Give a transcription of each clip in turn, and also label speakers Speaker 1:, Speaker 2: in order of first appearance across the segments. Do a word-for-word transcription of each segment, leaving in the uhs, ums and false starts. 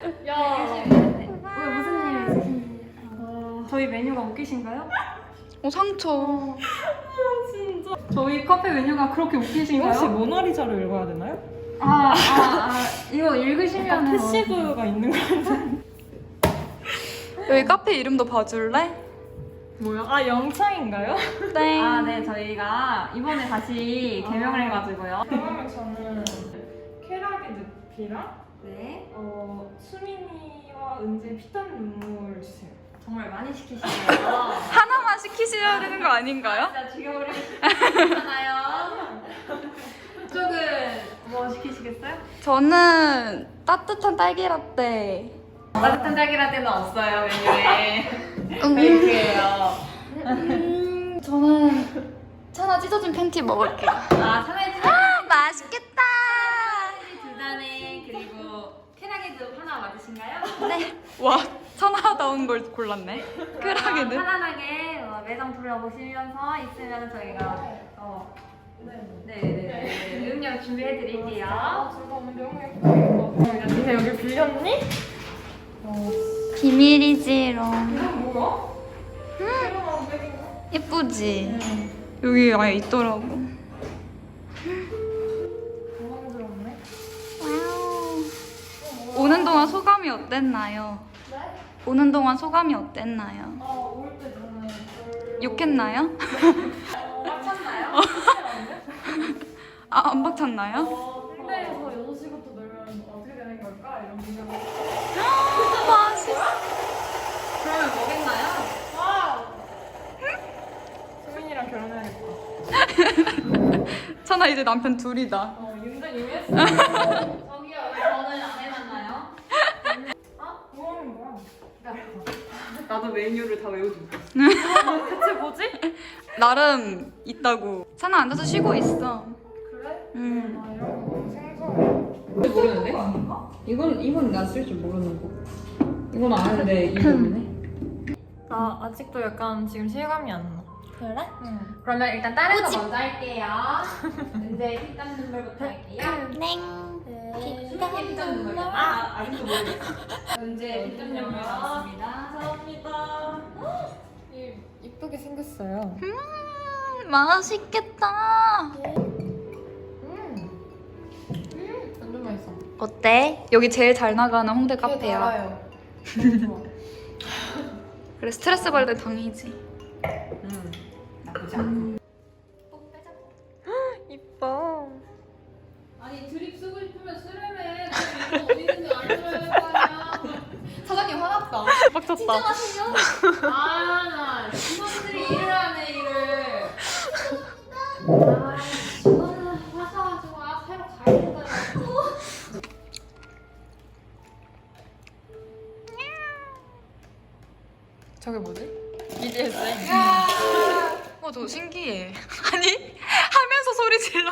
Speaker 1: 야.
Speaker 2: 왜 무슨 일 있으신지.
Speaker 1: 어, 저희 메뉴가 웃기신가요?
Speaker 3: 어 상처.
Speaker 1: 진짜. 저희 카페 메뉴가 그렇게 웃기신가요?
Speaker 4: 혹시 모나리자를 읽어야 되나요?
Speaker 1: 아, 아, 아 이거 읽으시면
Speaker 4: 약간 패시브가 있는 거 같아요.
Speaker 3: 여기 카페 이름도 봐줄래?
Speaker 4: 뭐야? 아 영창인가요?
Speaker 3: 땡.
Speaker 1: 아, 네, 저희가 이번에 다시 개명을 해가지고요.
Speaker 4: 그러면 저는 쾌락의 늪이랑
Speaker 1: 네,
Speaker 4: 어, 수민이와 은재 피땀 눈물 주세요.
Speaker 1: 정말 많이 시키시네요.
Speaker 3: 하나만 시키셔야 되는 거 아닌가요?
Speaker 1: 진짜 죽여버리시잖아요. 쪽은 뭐 시키시겠어요?
Speaker 3: 저는 따뜻한 딸기 라떼.
Speaker 1: 따뜻한 딸기라떼는 없어요, 메뉴에.
Speaker 3: 음,
Speaker 1: 메이크예요.
Speaker 3: 음, 저는 차나 찢어진 팬티 먹을게요.
Speaker 1: 아, 차라리
Speaker 3: 아, 맛있겠다.
Speaker 1: 두 잔에 그리고 쾌락에도 하나 맞으신가요?
Speaker 3: 네. 와, 천하다운 걸 골랐네. 쾌락에는.
Speaker 1: 편안하게 어, 매장 둘러보시면서 있으면 저희가 어, 네네네 음료 준비해 드릴게요.
Speaker 4: 둘다 오늘 너무 예쁘게 입고. 니네 여기 빌렸니? 어.
Speaker 3: 비밀이지롱.
Speaker 4: 이건 뭐야? 음.
Speaker 3: 예쁘지? 여기 아예 있더라고.
Speaker 4: 당황스럽네.
Speaker 3: 와우. 오는 동안 소감이 어땠나요?
Speaker 4: 네?
Speaker 3: 오는 동안 소감이 어땠나요?
Speaker 4: 아, 올 때 저는 별로...
Speaker 3: 욕했나요?
Speaker 1: 꽉찼나요?
Speaker 3: 아, 안 박찼나요?
Speaker 4: 어, 홍대에서 여섯 시부터 놀면 어떻게 되는 걸까? 이런 생각을
Speaker 3: 맛있어.
Speaker 1: 그러면 뭐겠나요?
Speaker 4: 와우! 수민이랑 결혼해야겠다.
Speaker 3: 찬아 이제 남편 둘이다.
Speaker 4: 어, 윤전 이미 했어.
Speaker 1: 저기요 왜 저는 안 해놨나요?
Speaker 4: 어? 뭐 하는 거야?
Speaker 1: 나도 메뉴를 다 외우지 못했어.
Speaker 4: 대체 뭐지?
Speaker 3: 나름 있다고. 찬아 앉아서 쉬고 있어.
Speaker 4: 그래?
Speaker 3: 음.
Speaker 4: 아, 이런 거 생소해.
Speaker 1: 모르는데? 이건 이건 나 쓸 줄 모르는 거. 이건 아는데 이거 없네.
Speaker 4: 나 아직도 약간 지금 실감이 안 나.
Speaker 3: 그래?
Speaker 4: 응.
Speaker 1: 그러면 일단 다른 거 먼저 할게요. 이제 피땀 눈물부터 할게요.
Speaker 3: 냉.
Speaker 1: 수민이 피땀 눈물. 아, 아직도 모르겠어. 이제 피땀 눈물 나왔습니다.
Speaker 4: 감사합니다. 이 이쁘게 생겼어요.
Speaker 3: 음, 맛있겠다.
Speaker 4: 음. 음, 완전 맛있어.
Speaker 3: 어때? 여기 제일 잘 나가는 홍대 카페야.
Speaker 4: 달아요. 너무 좋아.
Speaker 3: 그래, 스트레스 받을 때 당이지.
Speaker 1: 음, 나쁘지 않아.
Speaker 3: 이뻐.
Speaker 1: 아니 드립 쓰고 싶으면 쓰려면 이거 어디 있는지 알려줘야 할 거 아니야.
Speaker 4: 사장님 화났다.
Speaker 3: 빡쳤다.
Speaker 1: 아나 직원들이 일을 하네 일을. 아 직원은 하셔가지고 아 새로 가야 된다.
Speaker 4: 저게 뭐지? 비디에스.
Speaker 3: 어, 저 신기해. 아니, 하면서 소리 질러.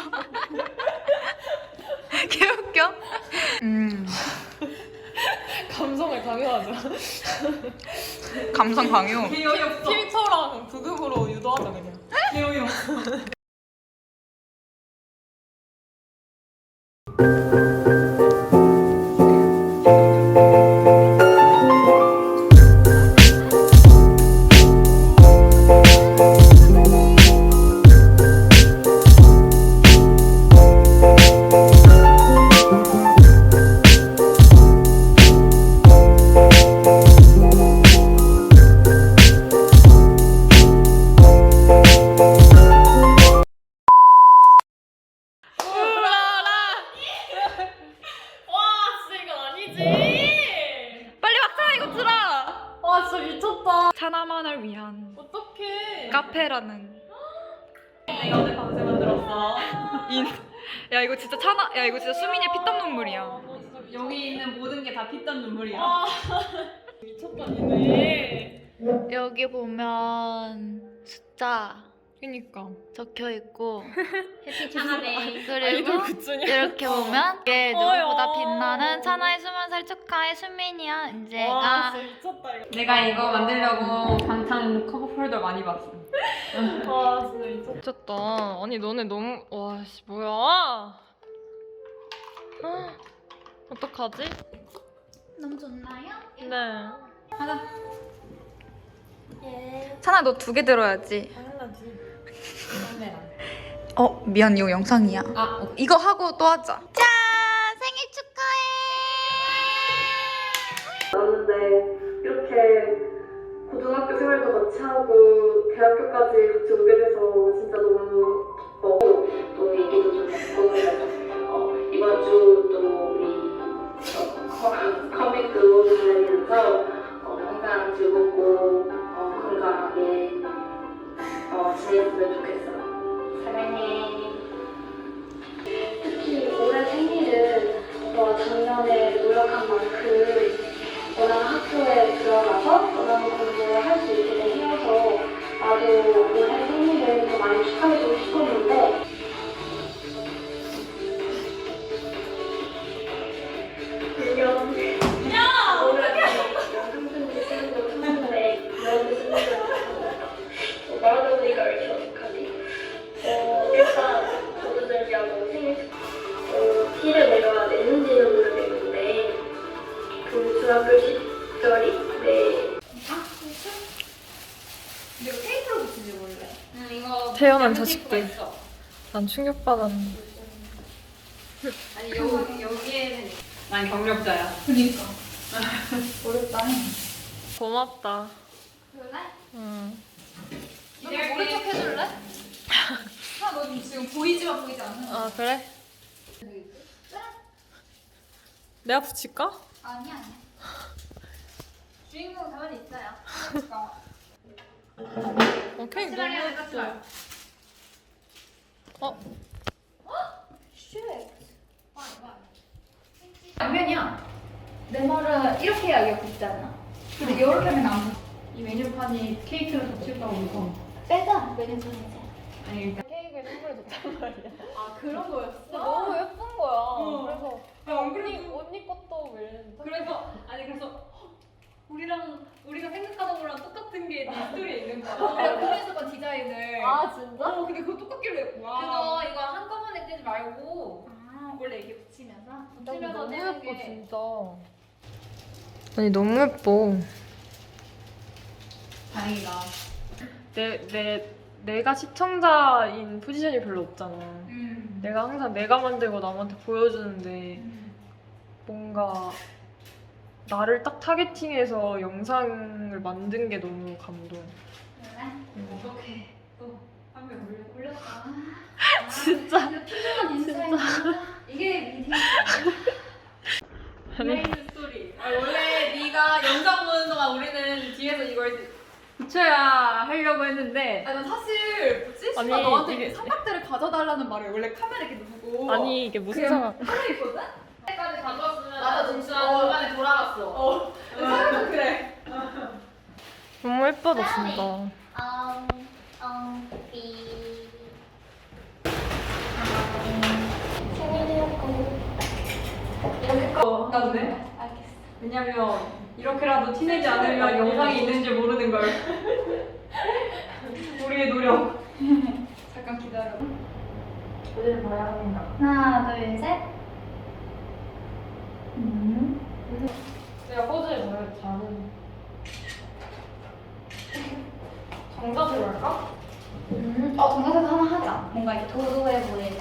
Speaker 3: 개웃겨. 음,
Speaker 4: 감성을 강요하자.
Speaker 3: 감성 강요.
Speaker 1: 개요이 없어.
Speaker 4: 필터랑 부금으로 유도하자 그냥.
Speaker 1: 개요이 없어.
Speaker 3: 빨리 막차 이거 들어.
Speaker 4: 와 진짜 미쳤다.
Speaker 3: 차나만을 위한
Speaker 4: 어떡해.
Speaker 3: 카페라는.
Speaker 1: 내가 오늘 밤새 만들었어.
Speaker 3: 인. 야 이거 진짜 차나. 야 이거 진짜 수민이의 피땀 눈물이야.
Speaker 4: 너 진짜 미쳤다.
Speaker 1: 여기 있는 모든 게 다 피땀 눈물이야.
Speaker 4: 아, 미쳤다 니네.
Speaker 3: 여기 보면 숫자
Speaker 4: 그니까.
Speaker 3: 적혀 있고
Speaker 1: 하나네.
Speaker 3: 그리고
Speaker 4: 아이돌 굿즈냐?
Speaker 3: 이렇게 보면 이게
Speaker 4: 어여.
Speaker 3: 누구보다 빛나는 차나의 스물 살 축하해 수민이야
Speaker 4: 와
Speaker 3: 은재가.
Speaker 4: 진짜 미쳤다 이거.
Speaker 1: 내가 이거 만들려고 방탄 커버 폴더 많이 봤어.
Speaker 4: 와 진짜 미쳤다. 미쳤다. 아니 너네 너무 와씨 뭐야? 헉, 어떡하지?
Speaker 1: 너무 좋나요?
Speaker 3: 네.
Speaker 1: 하자.
Speaker 3: 찬아 너 두 개 들어야지.
Speaker 4: 당연하지.
Speaker 3: 어 미안 이거 영상이야.
Speaker 1: 아,
Speaker 3: 이거 하고 또 하자. 짠 생일 축하해.
Speaker 5: 나왔는데 이렇게 고등학교 생활도 같이 하고 대학교까지 같이 오게 돼서 진짜 너무 기뻐. 또 얘기도 좀 듣고 어, 이번 주도 우리 어, 커믹도 들으면서 어, 항상 즐겁고 어, 건강하게 어, 지냈으면 좋겠어. 사랑해. 특히 올해 생일은 너가 작년에 노력한 만큼 원하는 학교에 들어가서 원하는 공부를 할 수 있게 되어서 나도 올해 생일을 더 많이 축하해주고 싶었는데 물론 야! 올해 영상편지 쓰는 거 하는데 너무 쓰는 거 말하다 보니까 왜 이렇게 어떡하지? 어, 일단 저도 준비하고 생일 어, 티를 내가 냈는지는 모르겠는데 그 중학교 시절이 네.
Speaker 1: 이거 테이프로 붙이지 원래. 응 이거.
Speaker 4: 태어난
Speaker 1: 양면
Speaker 4: 자식들.
Speaker 1: 테이프가 있어.
Speaker 4: 난 충격받았는데.
Speaker 1: 아니 여기 여기에는
Speaker 6: 난 경력자야.
Speaker 1: 그니까. 어렵다.
Speaker 4: 고맙다.
Speaker 1: 그래?
Speaker 4: 응.
Speaker 1: 너도 모른 척 해줄래? 아, 너 지금 보이지만 보이지 않는 거.
Speaker 4: 아 그래? 내가 붙일까?
Speaker 1: 아니야 아니야. 주인공 가만히 있어요. 그러니까.
Speaker 4: 어 케이크
Speaker 1: 같이 말이야,
Speaker 4: 너무
Speaker 1: 같이
Speaker 4: 예뻐.
Speaker 1: 말.
Speaker 4: 어?
Speaker 1: 쉣. 양면이야. 내 말은 이렇게 해야 이게 붙잖아. 근데 이렇게 하면 안 붙어.
Speaker 6: 이 메뉴판이 케이크를 덮칠까고 무서워.
Speaker 1: 빼자. 메뉴판 이제.
Speaker 6: 아니 일단
Speaker 4: 케이크에 선물 줬단 말이야.
Speaker 6: 아 그런 거였어?
Speaker 4: 너무 예쁜 거야. 그래서
Speaker 6: 야, 안
Speaker 4: 언니
Speaker 6: 그래도-
Speaker 4: 언니 것도 왜?
Speaker 6: 그래서 아니 그래서 헉, 우리랑 우리가 생각하던 거랑 똑같은 게 네 스토리에 있는 거야.
Speaker 1: 내가 그랬었던 디자인을.
Speaker 4: 아 진짜?
Speaker 6: 어 근데 그거 똑같길래 와.
Speaker 1: 그거 이거 한꺼번에 떼지 말고 원래 이렇게 붙이면서 붙이면서
Speaker 4: 너무
Speaker 1: 떼는
Speaker 4: 예뻐
Speaker 1: 게.
Speaker 4: 진짜. 아니 너무 예뻐.
Speaker 6: 다행이다.
Speaker 4: 내, 내, 내가 시청자인 포지션이 별로 없잖아.
Speaker 1: 음.
Speaker 4: 내가 항상 내가 만들고 남한테 보여주는데
Speaker 1: 음.
Speaker 4: 뭔가 나를 딱 타겟팅해서 영상을 만든 게 너무 감동.
Speaker 1: 그래?
Speaker 6: 어떻게 또 한명 올려?
Speaker 1: 올렸다.
Speaker 4: 진짜.
Speaker 1: 필요한 인사이트. 이게 미디어.
Speaker 6: 비하인드 스토리. 아, 원래 네가 영상 보는 동안 우리는 뒤에서 이걸 붙여야 하려고 했는데
Speaker 1: 아니 난 사실 뭐지?
Speaker 4: 아니,
Speaker 1: 나 너한테
Speaker 4: 이게-
Speaker 1: 삼각대를 가져달라는 말을 원래 카메라 이렇게 두고
Speaker 4: 아니 이게 무슨
Speaker 1: 그냥
Speaker 4: 상황?
Speaker 1: 하고 있거든?
Speaker 6: 때까지 가져왔으면
Speaker 1: 맞아, 진짜
Speaker 6: 중간에 돌아갔어.
Speaker 1: 어. 사람도 그래.
Speaker 4: 너무 예쁘다 진짜.
Speaker 2: 엉, 엉, 삐.
Speaker 6: 어, 나네.
Speaker 2: 알겠어.
Speaker 6: 왜냐면 이렇게라도 티내지 않으면 영상이 있는 줄 모르는 걸. 우리의 노력.
Speaker 1: 잠깐 기다려.
Speaker 6: 오늘 봐야 합니다.
Speaker 2: 하나, 둘, 셋. 음.
Speaker 4: 제가 포즈를 잘 잘은. 정답으로 할까?
Speaker 2: 음. 어, 동영상 하나 하자. 뭔가 이렇게 도도해 보이게.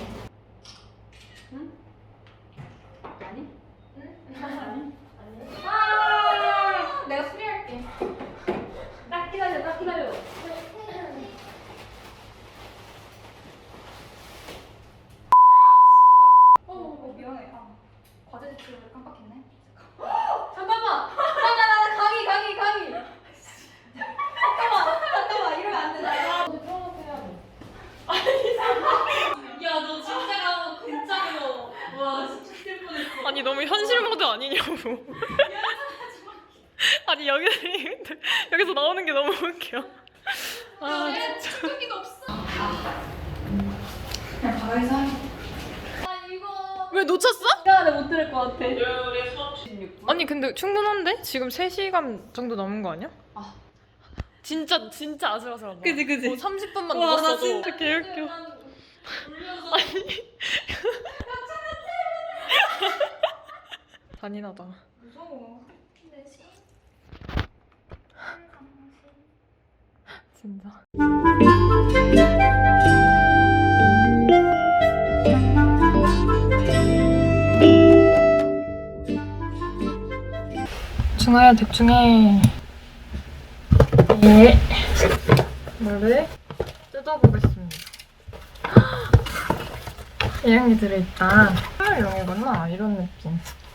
Speaker 6: 아니?
Speaker 1: 아, 내가 수리할게.
Speaker 6: 딱 기다려, 딱 기다려.
Speaker 1: 어, 어, 미안해. 아, 과제 제출을 깜빡했네.
Speaker 6: 잠깐만. 나나나 강의 강의 강의.
Speaker 1: 잠깐만, 잠깐만 이러면 안 돼. 나
Speaker 6: 야 너 진짜 가면 진짜로 와 진짜 뛸 뻔했어.
Speaker 4: 아니 너무 현실 모드 아니냐고. 아니 여기 여기서 나오는 게 너무 웃겨. 아 진짜.
Speaker 1: 여기도 없어. 그냥 바닥에서 하자. 아 이거.
Speaker 4: 왜 놓쳤어?
Speaker 6: 시간에 못 들을 것 같아.
Speaker 4: 아니 근데 충분한데? 지금 세 시간 정도 남은 거 아니야?
Speaker 6: 아.
Speaker 4: 진짜 진짜 아슬아슬하다.
Speaker 6: 그지, 그지.
Speaker 4: 뭐 삼십 분만
Speaker 6: 와, 나
Speaker 4: 넘었어도
Speaker 6: 진짜
Speaker 4: 개웃겨.
Speaker 6: 울면서
Speaker 4: 잔인하다.
Speaker 1: 무서워.
Speaker 4: 진짜. 중화야 대충 해. 네. 뭐를 뜯어보겠습니다. 이런 게 들어있다. 이용이구나. 이런 느낌.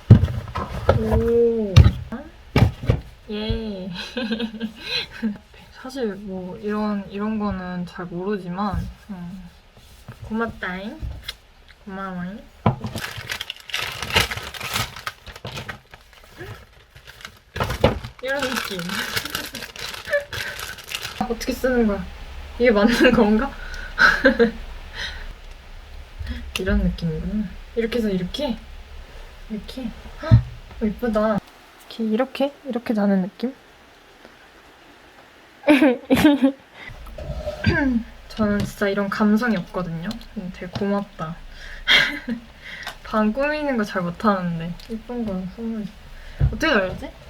Speaker 4: 오. 예. 사실 뭐 이런 이런 거는 잘 모르지만 음. 고맙다잉. 고마워잉. 이런 느낌. 어떻게 쓰는 거야? 이게 맞는 건가? 이런 느낌이구나. 이렇게 해서 이렇게? 이렇게? 헉, 예쁘다. 이렇게, 이렇게? 이렇게 자는 느낌? 저는 진짜 이런 감성이 없거든요. 되게 고맙다. 방 꾸미는 거 잘 못하는데 예쁜 거 선물. 어떻게 알지?